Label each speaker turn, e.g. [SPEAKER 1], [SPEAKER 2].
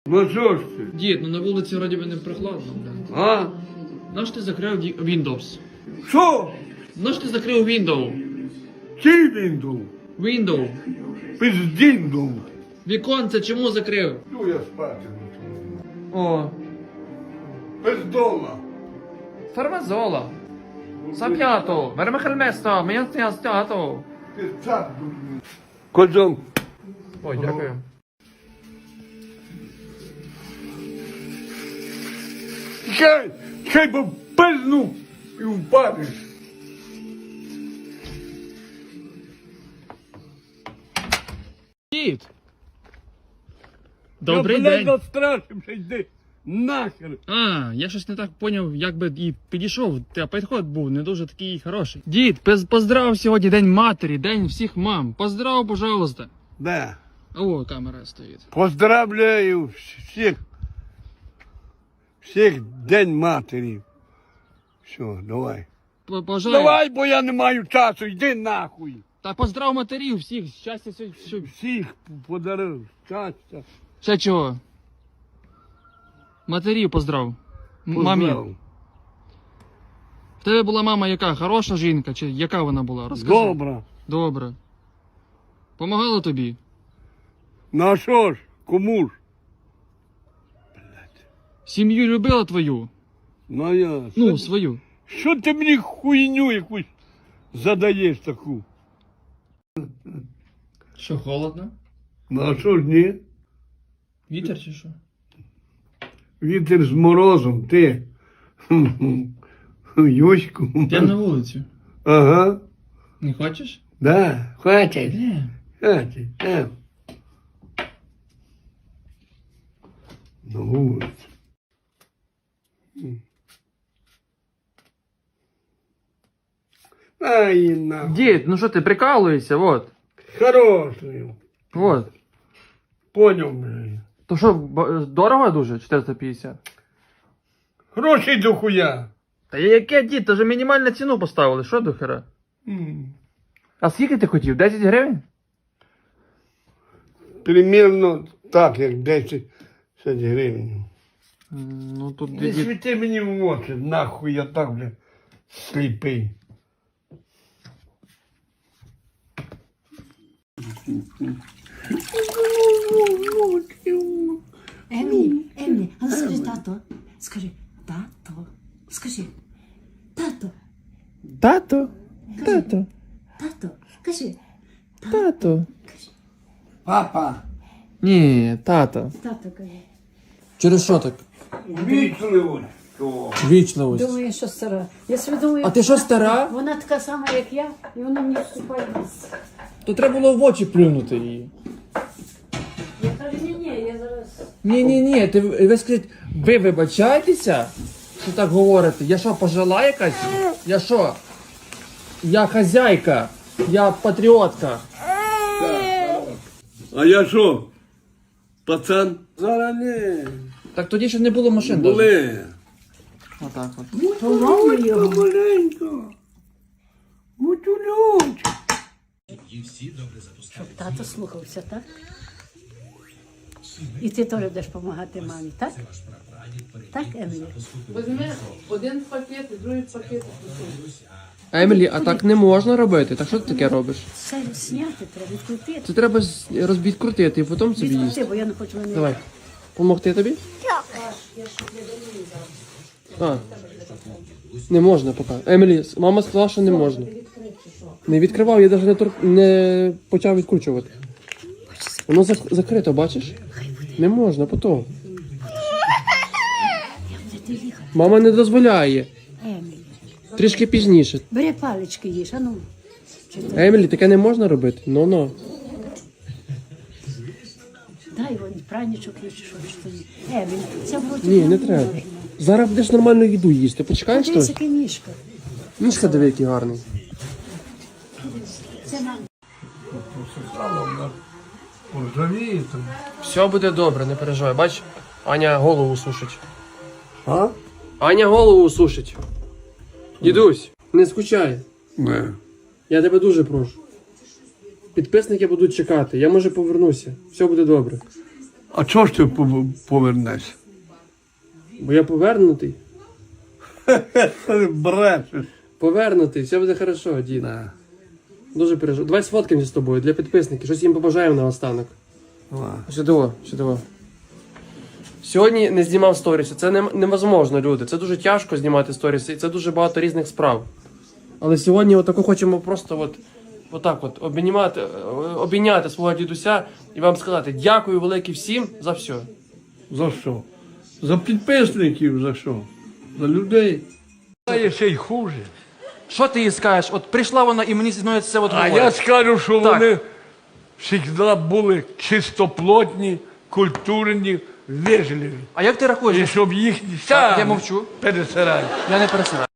[SPEAKER 1] Ну що ж ти?
[SPEAKER 2] Дід, ну на вулиці вроді би не прохладно, бля.
[SPEAKER 1] А?
[SPEAKER 2] Наш ти закрив Windows?
[SPEAKER 1] Що?
[SPEAKER 2] Наш ти закрив Windows?
[SPEAKER 1] Чий він дув?
[SPEAKER 2] Windows.
[SPEAKER 1] Пиздін дув.
[SPEAKER 2] Віконце чому закрив?
[SPEAKER 1] Ну я спати.
[SPEAKER 2] О,
[SPEAKER 1] Пиздола.
[SPEAKER 2] фармазола. Сап'ято, вермехельместо, м'ясто.
[SPEAKER 1] Пиздак. Козом.
[SPEAKER 2] Ой, дякую.
[SPEAKER 1] Чай би пизнув і впадеш.
[SPEAKER 2] Дід. Добрий
[SPEAKER 1] Я,
[SPEAKER 2] день.
[SPEAKER 1] блядь, застрашився, йди нахер.
[SPEAKER 2] А, я щось не так поняв, як би і підійшов, та підход був не дуже такий хороший. Дід, поздрав сьогодні День матері, День всіх мам. Поздрав, пожалуйста.
[SPEAKER 1] Да.
[SPEAKER 2] О, камера стоїть.
[SPEAKER 1] Поздравляю всіх День матері. Все, давай.
[SPEAKER 2] Пожалуйста.
[SPEAKER 1] Давай, бо я не маю часу, йди нахуй.
[SPEAKER 2] Та поздрав матерів всіх, щастя, все.
[SPEAKER 1] Всіх подарив, щастя.
[SPEAKER 2] Ще чого? Матерів поздрав.
[SPEAKER 1] Поздрав.
[SPEAKER 2] Мамі. В тебе була мама яка? Хороша жінка? Чи яка вона була? Розкажи.
[SPEAKER 1] Добре.
[SPEAKER 2] Добре. Помагала тобі?
[SPEAKER 1] Ну а що ж, кому ж?
[SPEAKER 2] Сім'ю любила твою?
[SPEAKER 1] Ну я.
[SPEAKER 2] Ну, свою.
[SPEAKER 1] Що ти мені хуйню якусь задаєш таку?
[SPEAKER 2] Що, холодно?
[SPEAKER 1] Ну а що ж ні?
[SPEAKER 2] Вітер чи що?
[SPEAKER 1] Вітер з морозом, ти. Юську.
[SPEAKER 2] Йдемо на вулицю.
[SPEAKER 1] Ага.
[SPEAKER 2] Не хочеш?
[SPEAKER 1] Да, хватить.
[SPEAKER 2] Де?
[SPEAKER 1] Хватить. На вулицю. Ай, нахуй.
[SPEAKER 2] Дід, ну що ти прикалуєшся, вот.
[SPEAKER 1] Хороший.
[SPEAKER 2] Вот.
[SPEAKER 1] Понял, блядь.
[SPEAKER 2] То що, дорого дуже? 450?
[SPEAKER 1] Гроші до хуя.
[SPEAKER 2] Та яке, дід, то вже мінімальну ціну поставили, що до хера? А скільки ти хотів? 10 гривень?
[SPEAKER 1] Примірно так, як 10 гривень.
[SPEAKER 2] Ну тут
[SPEAKER 1] Не світи мені в очі, нахуй я так, бля, сліпий.
[SPEAKER 3] Емілі, а ну скажи тато. Скажи, тато. Скажи, тато,
[SPEAKER 2] Тато, тато,
[SPEAKER 3] тато. Кажи,
[SPEAKER 2] тато.
[SPEAKER 1] Папа,
[SPEAKER 2] Ні, тато.
[SPEAKER 3] тато кажи.
[SPEAKER 2] Через що так?
[SPEAKER 1] вічливо.
[SPEAKER 2] Вічливость.
[SPEAKER 3] Думаю, що стара. Я собі думаю,
[SPEAKER 2] А ти що, стара?
[SPEAKER 3] Вона така сама, як я, і вона мені вступає в ліс.
[SPEAKER 2] То треба було в очі плюнути її.
[SPEAKER 3] Я кажу, ні, я зараз.
[SPEAKER 2] Ні, ви скажіть, ви вибачаєтеся, що так говорите? Я що, пожила якась? Я що? Я хазяйка, я патріотка.
[SPEAKER 1] А я що? Пацан? Зараз не.
[SPEAKER 2] Так тоді ще не було машин. даже.
[SPEAKER 1] Були.
[SPEAKER 2] Отак от.
[SPEAKER 3] Поломаю його.
[SPEAKER 1] Маленько. Мутюльоч.
[SPEAKER 3] Щоб тато слухався, так? І ти теж будеш допомагати мамі, так? Так, Емілі?
[SPEAKER 4] Візьми один пакет і другий пакет.
[SPEAKER 2] Емілі, а так не можна робити. Так що ти таке робиш?
[SPEAKER 3] Це зняти треба, відкрутити.
[SPEAKER 2] Це треба відкрутити і потім собі їсти.
[SPEAKER 3] Відкрути, бо я не хочу мене.
[SPEAKER 2] Давай. Помогти тобі? А. Не можна поки. Емілі, мама сказала, що не можна. Не відкривав, я навіть не почав відкручувати. Воно закрито, бачиш? Не можна, потім. Мама не дозволяє.
[SPEAKER 3] Емілі,
[SPEAKER 2] Трішки пізніше.
[SPEAKER 3] бери палички їж, а ну.
[SPEAKER 2] Емілі, таке не можна робити? Ну-ну.
[SPEAKER 3] Дай вон пранічок їж, що ж тоді. Емілі, це в роті
[SPEAKER 2] Ні, не треба. Зараз будеш нормальну їду їсти. Почекаєш
[SPEAKER 3] Це
[SPEAKER 2] щось?
[SPEAKER 3] яке ніжка.
[SPEAKER 2] Мішка диви, який гарний.
[SPEAKER 3] Це нам.
[SPEAKER 1] Поржавіє там.
[SPEAKER 2] Все буде добре, не переживай. Бач, Аня голову сушить.
[SPEAKER 1] А?
[SPEAKER 2] Аня голову сушить. Дідусь, не скучай.
[SPEAKER 1] Не.
[SPEAKER 2] Я тебе дуже прошу. Підписники будуть чекати. Я може повернуся. Все буде добре.
[SPEAKER 1] А чого ж ти повернешся?
[SPEAKER 2] Бо я повернутий.
[SPEAKER 1] Брешеш.
[SPEAKER 2] Повернутий, все буде хорошо, дід. Дуже переживаю. Давай сфоткаємося з тобою для підписників. Щось їм побажаємо наостанок. Сюди. Сьогодні не знімав сторіси. Це невозможно, люди. Це дуже тяжко знімати сторіси, і це дуже багато різних справ. Але сьогодні отако хочемо просто отак обійняти свого дідуся і вам сказати дякую велике всім за все.
[SPEAKER 1] За що? За підписників за що? За людей. А є ще й хуже.
[SPEAKER 5] Що ти їй скажеш? От прийшла вона і мені зі мною це от
[SPEAKER 1] А
[SPEAKER 5] говорить.
[SPEAKER 1] я скажу, що
[SPEAKER 5] Так.
[SPEAKER 1] вони завжди були чистоплотні, культурні, вежливі.
[SPEAKER 5] А як ти рахуєш?
[SPEAKER 1] І щоб їх
[SPEAKER 5] Так, я мовчу.
[SPEAKER 1] пересирати.
[SPEAKER 5] Я не пересираю.